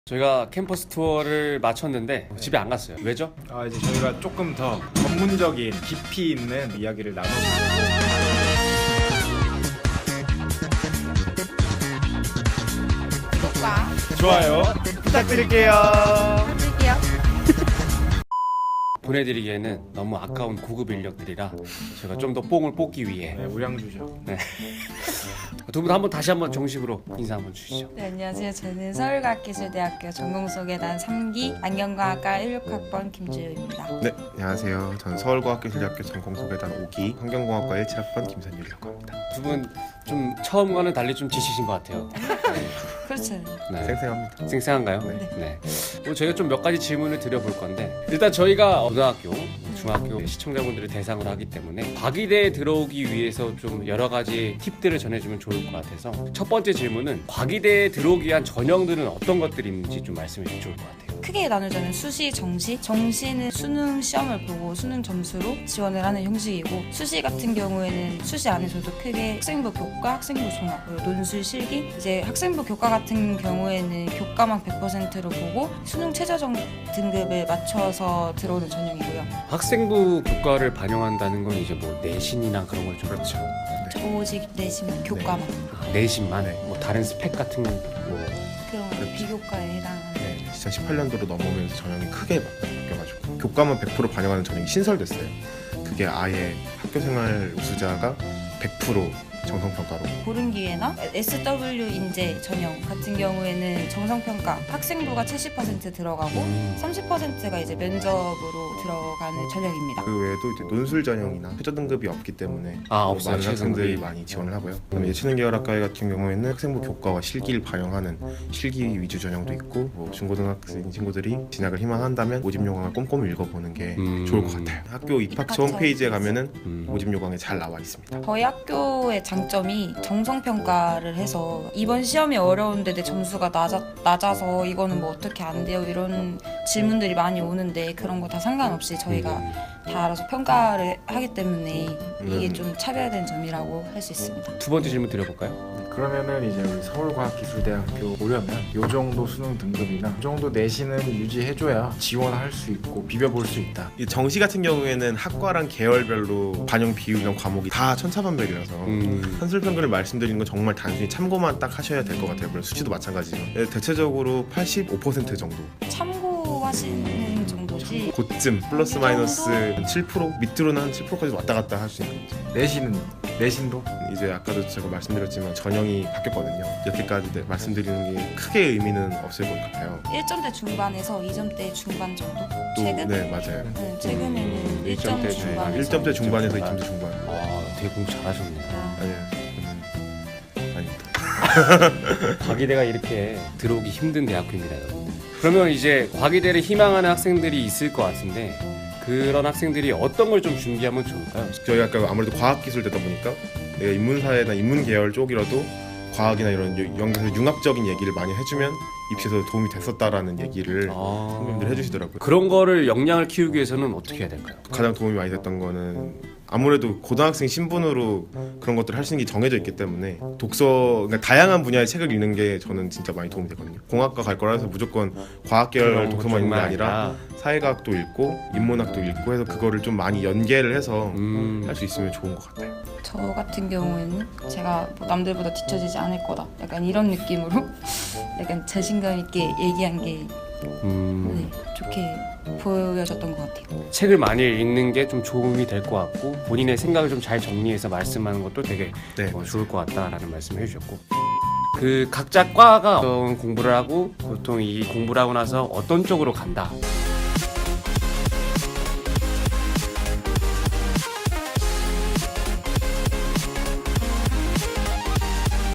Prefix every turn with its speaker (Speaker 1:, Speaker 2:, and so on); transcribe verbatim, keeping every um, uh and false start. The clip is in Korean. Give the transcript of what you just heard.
Speaker 1: 저희가 캠퍼스 투어를 마쳤는데 집에 안 갔어요. 왜죠?
Speaker 2: 아 이제 저희가 조금 더 전문적인 깊이 있는 이야기를 나눠보고
Speaker 3: 구독과
Speaker 2: 좋아요 부탁드릴게요.
Speaker 3: 해줄게요.
Speaker 1: 보내드리기에는 너무 아까운 고급 인력들이라 제가 좀 더 뽕을 뽑기 위해
Speaker 2: 네, 우량주죠.
Speaker 1: 두 분 한번 다시 한번 정식으로 인사 한번 주시죠.
Speaker 3: 네, 안녕하세요. 저는 서울과학기술대학교 전공소개단 삼 기 안경과학과 십육 학번 김주효입니다.
Speaker 4: 네, 안녕하세요. 저는 서울과학기술대학교 전공소개단 오 기 환경공학과 십칠 학번 김선율이라고 합니다.
Speaker 1: 두 분 좀 처음과는 달리 좀 지치신 것 같아요.
Speaker 3: 그렇죠.
Speaker 1: 네.
Speaker 4: 생생합니다.
Speaker 1: 쌩쌩한가요?
Speaker 4: 네.
Speaker 1: 네. 오늘 저희가 좀 몇 가지 질문을 드려볼 건데 일단 저희가 고등학교, 중학교 시청자분들을 대상으로 하기 때문에 과기대에 들어오기 위해서 좀 여러 가지 팁들을 전해주면 좋을 것 같아서 첫 번째 질문은 과기대에 들어오기 위한 전형들은 어떤 것들이 있는지 좀 말씀해 주시면 좋을 것 같아요.
Speaker 3: 크게 나누자면 수시, 정시. 정시는 수능 시험을 보고 수능 점수로 지원을 하는 형식이고 수시 같은 경우에는 수시 안에서도 크게 학생부 교과, 학생부 종합, 그리고 논술 실기. 이제 학생부 교과 같은 경우에는 교과만 백 퍼센트로 보고 수능 최저정 등급을 맞춰서 들어오는 전형이고요.
Speaker 1: 학생부 교과를 반영한다는 건 이제 뭐 내신이나 그런 걸 좀 그렇죠.
Speaker 3: 오직 내신 교과만.
Speaker 1: 아, 내신만 뭐 다른 스펙 같은 뭐
Speaker 3: 그런 비교과에 해당하는.
Speaker 4: 이천십팔 년도로 넘어오면서 전형이 크게 바뀌어가지고 교과만 백 퍼센트 반영하는 전형이 신설됐어요. 그게 아예 학교생활 우수자가 백 퍼센트 정성평가로
Speaker 3: 고른 기회나 에스 더블유 인재 전형 같은 경우에는 정성평가 학생부가 칠십 퍼센트 들어가고
Speaker 1: 음.
Speaker 3: 삼십 퍼센트가 이제 면접으로 들어가는 전형입니다.
Speaker 4: 그 외에도 이제 논술 전형이나 최저 등급이 없기 때문에
Speaker 1: 아,
Speaker 4: 뭐
Speaker 1: 없어요.
Speaker 4: 많은 학생들이
Speaker 1: 최저 등급이.
Speaker 4: 많이 지원을 하고요. 그다음에 예체능 계열학과 같은 경우에는 학생부 교과와 실기를 반영하는 실기 위주 전형도 있고 뭐 중고등학생 친구들이 진학을 희망한다면 모집 요강을 꼼꼼히 읽어보는 게
Speaker 1: 음.
Speaker 4: 좋을 것 같아요. 학교 입학처
Speaker 3: 입학처.
Speaker 4: 홈페이지에 가면은
Speaker 1: 음.
Speaker 4: 모집 요강에 잘 나와 있습니다.
Speaker 3: 저희 학교의 장점이 정성평가를 해서 이번 시험이 어려운데 내 점수가 낮아, 낮아서 이거는 뭐 어떻게 안 돼요? 이런 질문들이 많이 오는데 그런 거 다 상관없이 저희가 다 알아서 평가를 하기 때문에 이게
Speaker 4: 음.
Speaker 3: 좀 차별화된 점이라고 할 수 있습니다.
Speaker 1: 두 번째 질문 드려볼까요?
Speaker 2: 그러면은 이제 우리 서울과학기술대학교 오려면 요 정도 수능 등급이나 요 정도 내신은 유지해줘야 지원할 수 있고 비벼볼 수 있다.
Speaker 4: 이 정시 같은 경우에는 학과랑 계열별로 반영 비율이랑 과목이 다 천차만별이라서
Speaker 1: 음.
Speaker 4: 한술평균을 말씀드리는 건 정말 단순히 참고만 딱 하셔야 될 것 같아요. 물론 수치도 마찬가지지만 예, 대체적으로 팔십오 퍼센트 정도
Speaker 3: 참고하시는 정도지.
Speaker 4: 고쯤 플러스 마이너스 칠 퍼센트 밑으로는 한 칠 퍼센트까지 왔다 갔다 할 수 있는 거죠.
Speaker 2: 내신은 내신도
Speaker 4: 이제 아까도 제가 말씀드렸지만 전형이 바뀌었거든요. 여태까지 네, 말씀드리는 게 크게 의미는 없을 것 같아요.
Speaker 3: 일 점대 중반에서 이 점대 중반 정도?
Speaker 4: 또
Speaker 3: 최근?
Speaker 4: 네 맞아요.
Speaker 3: 네, 최근에는
Speaker 1: 음,
Speaker 3: 일 점
Speaker 1: 일 점대
Speaker 3: 중반에서
Speaker 4: 일 점대 중반에서 이 점대 중반.
Speaker 1: 아, 되게 공부 잘하셨네요.
Speaker 3: 아,
Speaker 4: 아니요. 음, 아닙니다.
Speaker 1: 과기대가 이렇게 들어오기 힘든 대학교입니다, 여러분들. 그러면 이제 과기대를 희망하는 학생들이 있을 것 같은데 그런 학생들이 어떤 걸 좀 준비하면 좋을까요?
Speaker 4: 저희 아까 아무래도 과학기술되다 보니까 내가 인문사회나 인문계열 쪽이라도 과학이나 이런 연구에서 융합적인 얘기를 많이 해주면 입시에서 도움이 됐었다라는 얘기를
Speaker 1: 아,
Speaker 4: 선배님들 해주시더라고요.
Speaker 1: 그런 거를 역량을 키우기 위해서는 어떻게 해야 될까요?
Speaker 4: 가장 도움이 많이 됐던 거는 아무래도 고등학생 신분으로 그런 것들을 할 수 있는 게 정해져 있기 때문에 독서, 그러니까 다양한 분야의 책을 읽는 게 저는 진짜 많이 도움이 되거든요. 공학과 갈 거라 해서 무조건 과학 계열 독서만 읽는 게 아니라 사회과학도 읽고 인문학도 읽고 해서 그거를 좀 많이 연계를 해서
Speaker 1: 음,
Speaker 4: 할 수 있으면 좋은 것 같아요.
Speaker 3: 저 같은 경우에는 제가 뭐 남들보다 뒤처지지 않을 거다 약간 이런 느낌으로 약간 자신감 있게 얘기한 게
Speaker 1: 음,
Speaker 3: 네, 좋게 보여졌던 것 같아요.
Speaker 1: 책을 많이 읽는 게 좀 도움이 될 것 같고 본인의 생각을 좀 잘 정리해서 말씀하는 것도 되게
Speaker 4: 네,
Speaker 1: 어, 좋을 것 같다라는 말씀을 해주셨고 그 각자 과가 어떤 공부를 하고 보통 이 공부를 하고 나서 어떤 쪽으로 간다